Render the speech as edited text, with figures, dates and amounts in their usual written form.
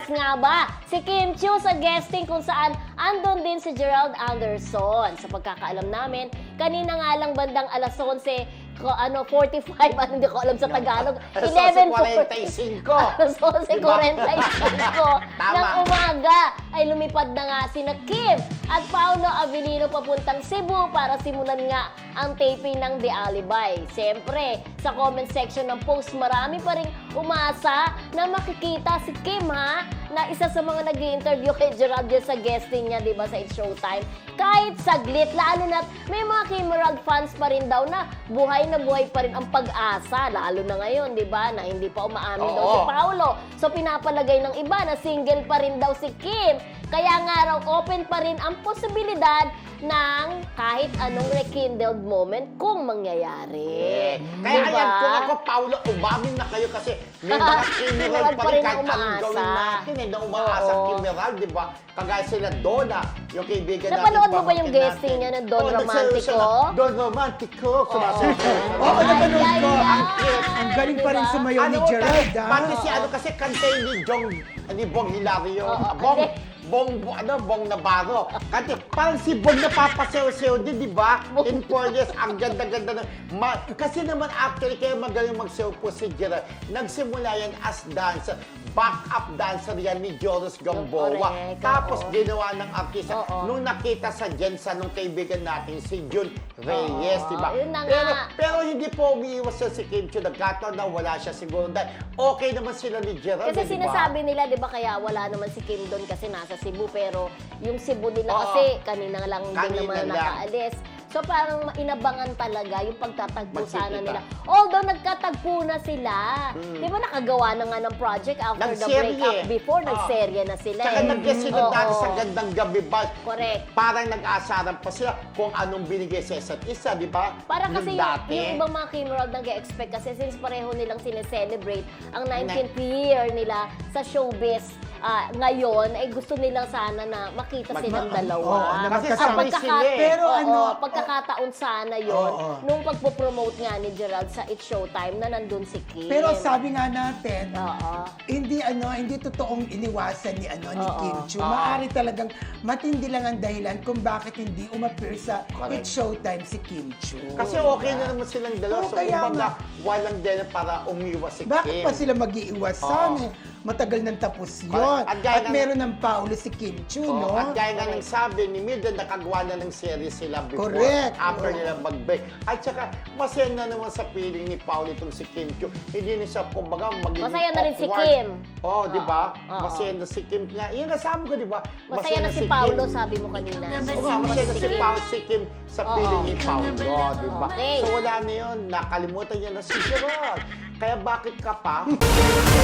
nga ba si Kim Chiu sa guesting kung saan andun din si Gerald Anderson. Sa pagkakaalam namin, kanina nga lang bandang alas 11, 45, hindi ko alam sa Tagalog. 11:45. Alas 11:45 Tama. ng umaga ay lumipad na nga sina Kim at Paolo Avellino papuntang Cebu para simulan nga ang taping ng The Alibi. Siyempre, sa comment section ng post, marami pa rin umasa na makikita si Kim, ha? Na isa sa mga nag-i-interview kay Gerald sa guesting niya, di ba, sa It's Showtime. Kahit saglit, lalo na may mga Kim Gerald fans pa rin daw na buhay pa rin ang pag-asa, lalo na ngayon, di ba, na hindi pa umaamin daw si Paolo. So, pinapalagay ng iba na single pa rin daw si Kim. Kaya nga raw, open pa rin ang posibilidad ng kahit anong rekindled moment kung mangyayari. Kaya diba? ayan, kung ako, Paolo, umamin na kayo kasi may mga Kimeral pa rin kahit anong gawin natin na umaasa Kimeral, di ba? Kagaya sila Donna, yung kaibigan natin. Napanood mo ba yung guesting niya ng Don Romantico? Don Romantico. Oo, napanood ko. Ang galing pa rin sumayaw ni Gerald, ha? Pati si kasi kantay ni Bong Hilario. Bong Navarro. Kasi parang si Bong napapasew-sew din, di ba? In fairness, ang ganda-ganda. Kasi naman actually, kaya magaling magsew po si Gerald. Nagsimula yan as dancer. Back-up dancer yan ni Joros Gamboa. Correct, Tapos ginawa ng artista. Nung nakita sa Jensa nung kaibigan natin, si Jun Reyes, di ba? Yun na nga. Pero hindi po umiiwas si Kim Chiu. Nagkataon na wala siya siguro. Dahil okay naman sila ni Gerald. Kasi sinasabi nila, di ba, kaya wala naman si Kim doon kasi nasa Cebu. Pero yung Cebu nila kasi kanina lang din naman nakaalis. So parang inabangan talaga yung pagtatagpo sana nila. Although nagkatagpo na sila. Di ba nakagawa na nga ng project after the breakup before, nagserye na sila. Saka nag-guest sila dati sa Gandang Gabi ba? Correct. Parang nag-aasaran pa sila kung anong binigay sa isa't isa, di ba? Para kasi yung ibang mga Kim World nag-expect kasi since pareho nilang sineselebrate ang 19th year nila sa showbiz ngayon, ay gusto nilang sana na makita silang dalawa. Kasi sabay sila eh. Pero pagkakataon sana yon nung pagpo-promote nga ni Gerald sa It's Showtime na nandun si Kim. Pero sabi nga natin, hindi totoong iniwasan ni Kim Chiu. Maaari talagang matindi lang ang dahilan kung bakit hindi umapir sa It's Showtime si Kim Chiu. Kasi okay na naman silang dalawa. So, kumbaga, walang din para umiwas si Kim. Bakit pa sila mag-iiwasan? Matagal nang tapos yun. At meron ng Paolo si Kim Chiu, no? At gaya nga ng sabi ni Mildred, nakagawa na ng series sila before. Correct. After nila mag-break. At saka, masaya na naman sa feeling ni Paolo itong si Kim Chiu. Hindi na siya, kumbaga, magiging masaya na rin si awkward. Kim. Di ba? Masaya na si Kim. Yan ang sabi ko, di ba? Masaya na si Paolo, sabi mo kanina. Masaya na si Kim sa feeling ni Paolo, di ba? Okay. So wala na yun. Nakalimutan niya na si Gerald. Kaya bakit ka pa?